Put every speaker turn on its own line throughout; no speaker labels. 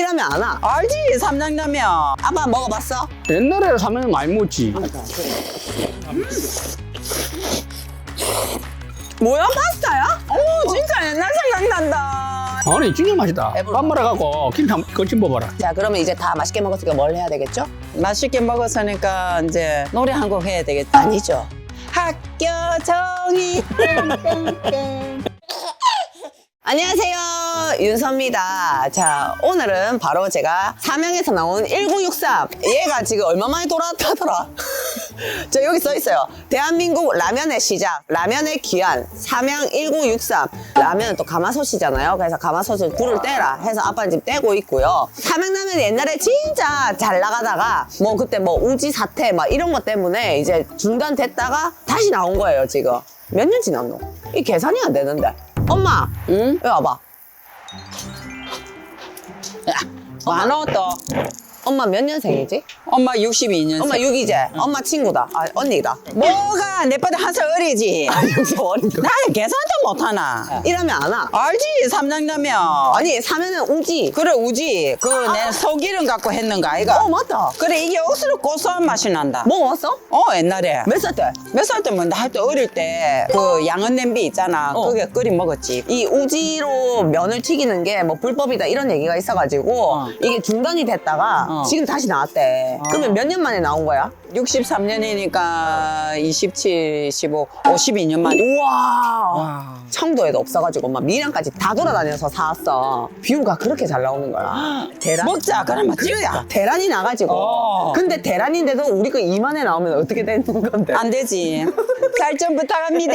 이러면 안 와.
알지, 삼양라면.
아빠 먹어봤어?
옛날에 삼양라면 많이 먹었지.
뭐야, 파스타야?
오, 진짜 옛날 생각난다.
아니 진짜 맛있다.
배불러.
밥 말아갖고 김 거친 먹어라.
자, 그러면 이제 다 맛있게 먹었으니까 뭘 해야 되겠죠?
맛있게 먹었으니까 이제 노래 한 곡 해야 되겠다.
아니죠.
학교 정이.
안녕하세요, 윤서입니다. 자, 오늘은 바로 제가 삼양에서 나온 1963. 얘가 지금 얼마 만에 돌아왔다더라. 저 여기 써 있어요. 대한민국 라면의 시작, 라면의 귀환, 삼양 1963. 라면은 또 가마솥이잖아요. 그래서 가마솥을 불을 떼라 해서 아빠는 지금 떼고 있고요. 삼양라면이 옛날에 진짜 잘 나가다가 뭐 그때 뭐 우지 사태 막 이런 것 때문에 이제 중단됐다가 다시 나온 거예요, 지금. 몇 년 지났노? 이 계산이 안 되는데. 엄마,
응?
여기 와봐.
많어 또.
엄마 몇 년생이지?
엄마 62년.
엄마 6이제. 엄마 친구다. 아, 언니다.
뭐가 내보다 한 살 어리지.
여기서 어린다.
나 계산도 못하나.
이러면 안 와.
알지, 삼양라면.
아니, 사면은 우지.
그래, 우지. 그 내 소기름 갖고 했는가, 아이가?
맞다.
그래, 이게 억수로 고소한 맛이 난다.
먹어봤어?
옛날에.
몇 살 때?
몇 살 때면 나 할 때 어릴 때 그 양은 냄비 있잖아. 그게 끓이 먹었지.
이 우지로 면을 튀기는 게 뭐 불법이다 이런 얘기가 있어가지고 이게 중단이 됐다가 지금 다시 나왔대. 그러면 몇 년 만에 나온 거야?
63년이니까 27, 15, 52년 만에.
우와. 청도에도 없어가지고 엄마 밀양까지 다 돌아다녀서 사왔어. 뷰가 그렇게 잘 나오는 거야. 대란?
먹자, 그러면 찍자.
대란이 나가지고. 근데 대란인데도 우리 그 2만에 나오면 어떻게 되는 건데?
안 되지. 살 좀 부탁합니다.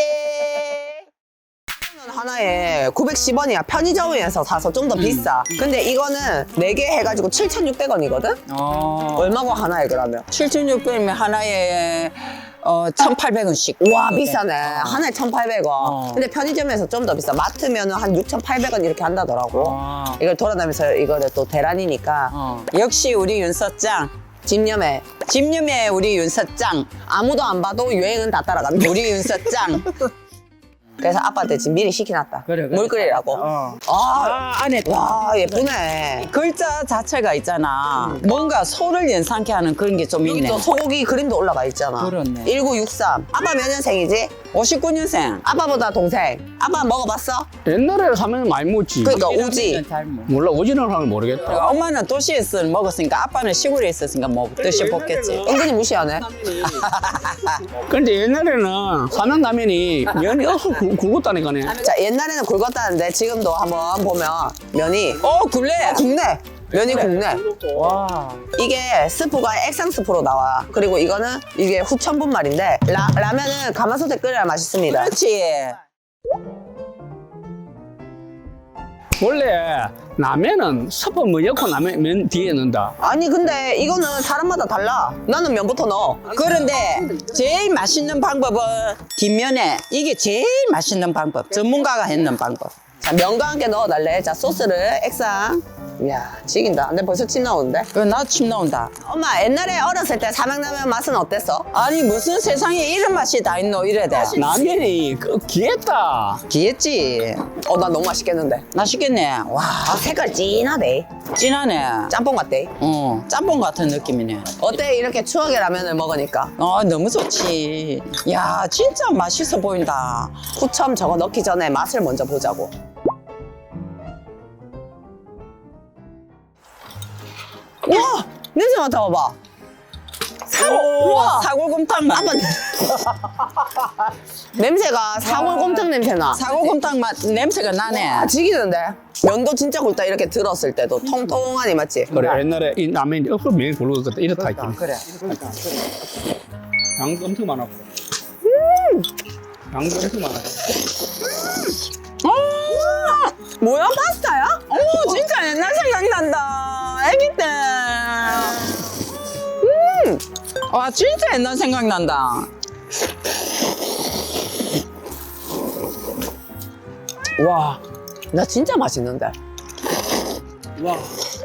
하나에 910원이야. 편의점에서 사서 좀 더 비싸. 근데 이거는 4개 해가지고 7,600원이거든? 얼마고 하나에 그러면?
7,600원이면 하나에 1,800원씩.
와, 비싸네. 하나에 1,800원. 근데 편의점에서 좀 더 비싸. 마트면 한 6,800원 이렇게 한다더라고. 이걸 돌아다니면서 이거를 또 대란이니까.
역시 우리 윤서짱.
집념에
집념의 우리 윤서짱.
아무도 안 봐도 유행은 다 따라간다.
우리 윤서짱.
그래서 아빠한테 지금 미리 시켜놨다. 물 끓이라고.
안에
와, 예쁘네.
글자 자체가 있잖아. 뭔가 소를 연상케 하는 그런 게 좀
여기
있네.
또 소고기 그림도 올라가 있잖아.
그렇네.
1963. 아빠 몇 년생이지?
59년생.
아빠보다 동생. 아빠 먹어봤어?
옛날에 삼양라면 많이 먹었지.
그러니까 우지.
몰라 오지는 사람 모르겠다.
엄마는 도시에서 먹었으니까 아빠는 시골에 있었으니까 뭐 드셔봤겠지.
은근히 무시하네.
근데 옛날에는 삼양라면이 면이 없어 굵었다니까네.
자, 옛날에는 굵었다는데 지금도 한번 보면 면이
굴레.
국내. 면이 국내.
와.
이게 스프가 액상 스프로 나와. 그리고 이거는 이게 후천 분말인데 라면은 가마솥에 끓여야 맛있습니다.
그렇지.
원래 라면은 스프 뭐 넣고 라면 면 뒤에 넣는다.
아니 근데 이거는 사람마다 달라. 나는 면부터 넣어.
그런데 제일 맛있는 방법은 뒷면에 이게 제일 맛있는 방법. 전문가가 했는 방법.
자, 면과 함께 넣어달래. 자, 소스를 액상. 이야, 지긴다. 근데 벌써 침 나오는데?
나 침 나온다.
엄마, 옛날에 어렸을 때 삼양라면 맛은 어땠어?
아니 무슨 세상에 이런 맛이 다 있노 이래야 돼.
라면이 귀했다.
귀했지.
나 너무 맛있겠는데.
맛있겠네. 와,
색깔 진하대.
진하네.
짬뽕 같대.
짬뽕 같은 느낌이네.
어때? 이렇게 추억의 라면을 먹으니까.
너무 좋지. 야, 진짜 맛있어 보인다.
후첨 저거 넣기 전에 맛을 먼저 보자고. 와! 냄새 맡아봐봐. 우와!
사골곰탕 맛.
냄새가 사골곰탕 냄새나.
사골곰탕 맛 냄새가 나네.
지기는데? 면도 진짜 굵다. 이렇게 들었을 때도 통통하니 맞지?
그래 옛날에 이 라면이 없어 면이 굵었다 이렇다 했지.
그래.
양도 엄청 많았고. 양도 엄청 많았고.
뭐야? 파스타야?
진짜 옛날 생각난다. 아기 때. 와, 진짜 옛날 생각난다.
와, 나 진짜 맛있는데.
와.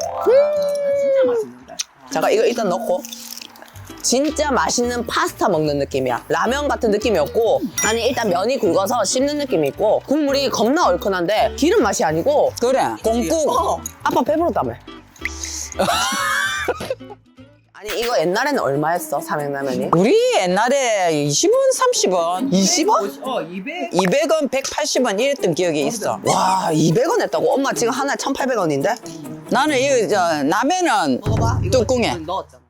잠깐 이거 일단 넣고. 진짜 맛있는 파스타 먹는 느낌이야. 라면 같은 느낌이 없고, 아니 일단 면이 굵어서 씹는 느낌이 있고, 국물이 겁나 얼큰한데 기름 맛이 아니고
그래, 공국.
아빠 배부르다며. 아니 이거 옛날에는 얼마였어 삼양라면이?
우리 옛날에 20원, 30원.
20원?
200원, 180원 이랬던 기억이 있어.
와 200원 했다고? 엄마 지금 하나에 1,800원인데?
나는 이 라면은
먹어봐. 이거
뚜껑에.
지금 넣었잖아.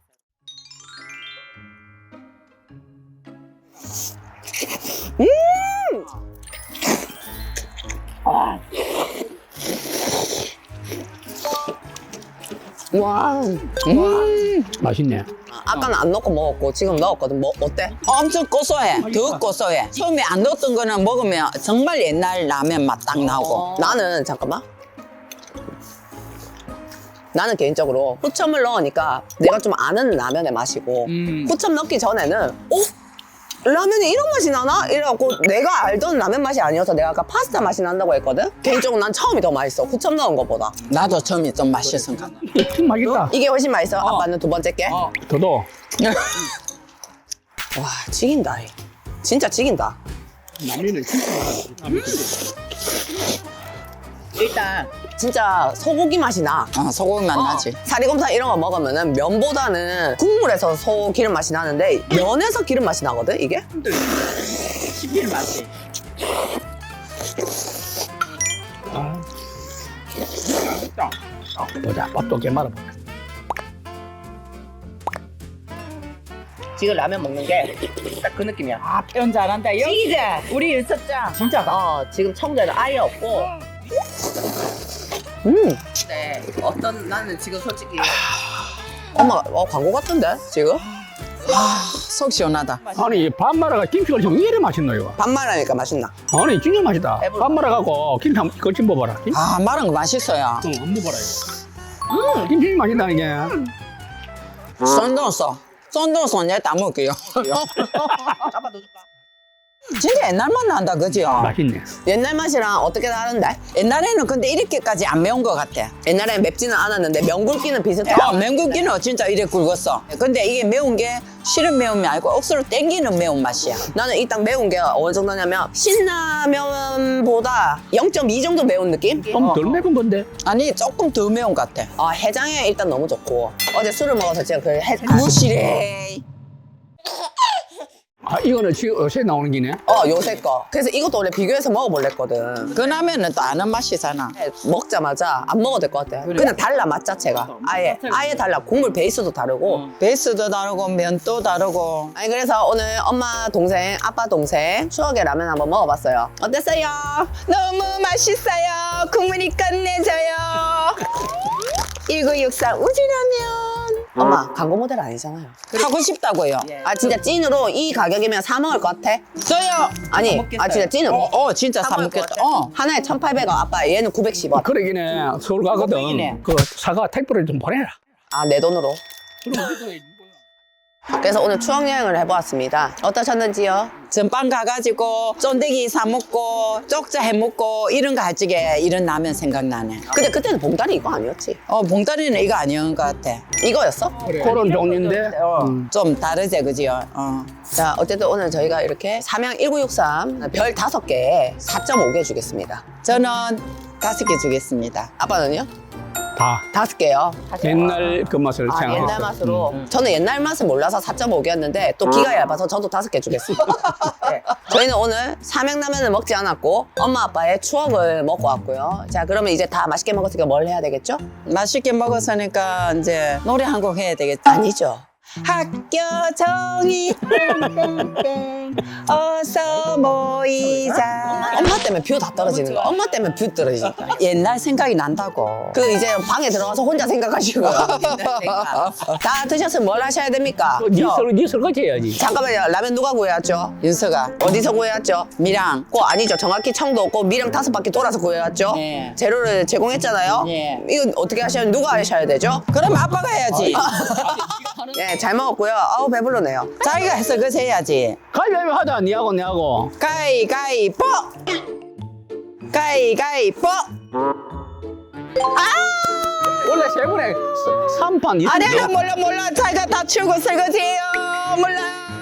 와.
맛있네.
아까는 안 넣고 먹었고 지금 넣었거든. 뭐 어때?
엄청 고소해. 더 고소해. 처음에 안 넣었던 거는 먹으면 정말 옛날 라면 맛 딱 나오고.
나는 잠깐만. 나는 개인적으로 후첨을 넣으니까 내가 좀 아는 라면의 맛이고 후첨 넣기 전에는 라면이 이런 맛이 나나? 이래갖고 내가 알던 라면 맛이 아니어서 내가 아까 파스타 맛이 난다고 했거든? 개인적으로 난 처음이 더 맛있어. 후첨 넣은 것보다.
나도 처음에 좀 맛있었어.
참 맛있다.
이게 훨씬 맛있어. 아빠는 두 번째 게.
저도
와 지긴다. 진짜 지긴다.
라면을 진짜
일단 진짜 소고기 맛이 나.
소고기 맛 나지.
사리곰탕 이런 거 먹으면은 면보다는 국물에서 소 기름 맛이 나는데 면에서 기름 맛이 나거든 이게?
씹힐 맛이.
보자. 밥도 깨 말아보자.
지금 라면 먹는 게 딱 그 느낌이야.
아, 표현 잘한다. 여기지? 우리 일석장. 진짜.
지금 청자는 아예 없고. 근데 어떤 나는 지금 솔직히 엄마 광고 같은데 지금?
속 시원하다.
아니 밥 말아가 김치가 좀 이래 맛있노 이거.
반말하니까 맛있나?
아니 진짜 맛있다.
해볼까?
밥 말아가고 김치 한번 거친 먹어봐라.
아, 마른 거 맛있어요.
안 먹어봐라 이거. 김치 맛있다 이게.
쏜동소 내다 먹을게요. 진짜 옛날 맛 난다, 그죠?
맛있네.
옛날 맛이랑 어떻게 다른데?
옛날에는 근데 이렇게까지 안 매운 것 같아.
옛날엔 맵지는 않았는데 면 굵기는 비슷해.
맹국기는 진짜 이래 굵었어. 근데 이게 매운 게 실은 매운이 아니고 억수로 땡기는 매운맛이야.
나는 이 딱 매운 게 어느 정도냐면 신라면보다 0.2 정도 매운 느낌?
좀 덜 매운 건데.
아니, 조금 더 매운 것 같아.
해장에 일단 너무 좋고 어제 술을 먹어서 제가
무시래.
아 이거는 지금 요새 나오는 기네.
요새 거. 그래서 이것도 원래 비교해서 먹어볼랬거든.
그 라면은 또 아는 맛이잖아.
먹자마자 안 먹어도 될 것 같아. 그냥 달라 맛 자체가. 아예 달라. 국물 베이스도 다르고.
베이스도 다르고 면도 다르고.
아니 그래서 오늘 엄마 동생, 아빠 동생 추억의 라면 한번 먹어봤어요. 어땠어요?
너무 맛있어요. 국물이 끝내줘요. 1963 우지라면.
엄마 광고 모델 아니잖아요.
하고 싶다고요.
진짜 찐으로 이 가격이면 사 먹을 것 같아?
저요.
아니 진짜 찐으로.
진짜 사 먹겠다.
하나에 1,800원. 아빠 얘는 910원.
그러기네 서울 가거든.
거기네.
그 사과 택배를 좀 보내라.
내 돈으로. 그래서 오늘 추억 여행을 해보았습니다. 어떠셨는지요?
전방 가가지고 쫀대기 사 먹고 쪽자 해 먹고 이런 거 할 적에 이런 라면 생각나네.
근데 그때는 봉다리 이거 아니었지?
봉다리는 이거 아니었는 것 같아.
이거였어?
그런 종류인데.
좀 다르지, 그지요?
자, 어쨌든 오늘 저희가 이렇게 삼양 1963 별 5개에 4.5개 주겠습니다.
저는 5개 주겠습니다.
아빠는요?
다
5개요.
옛날 그 맛을 생각했어.
옛날 맛으로. 저는 옛날 맛을 몰라서 4.5개였는데 또 기가 얇아서 저도 5개 주겠습니다. 네. 저희는 오늘 삼양라면을 먹지 않았고 엄마 아빠의 추억을 먹고 왔고요. 자, 그러면 이제 다 맛있게 먹었으니까 뭘 해야 되겠죠?
맛있게 먹었으니까 이제 노래 한 곡 해야 되겠지.
아니죠.
학교 정이 땡땡땡 어서 모이자.
엄마 때문에 뷰 다 떨어지는 거야. 엄마 때문에 뷰 떨어지니까.
옛날 생각이 난다고.
그 이제 방에 들어가서 혼자 생각하시고 다 드셨으면 뭘 하셔야 됩니까?
네 설거지 해야지.
잠깐만요. 라면 누가 구해왔죠?
윤서가
어디서 구해왔죠?
미랑
아니죠. 정확히 청도 없고 미랑 5바퀴 돌아서 구해왔죠?
네.
재료를 제공했잖아요.
네.
이건 어떻게 하셔야 누가 하셔야 되죠?
그럼 아빠가 해야지.
네, 잘 먹었고요. 아우 배불러네요.
자기가 해서 그래서 해야지.
가위바위보 하자. 니하고 내하고.
가위가위뽀 가위가위뽀.
원래 세 분에 3판
아 내가 몰라 자기가 다 치우고 설거지해요. 몰라.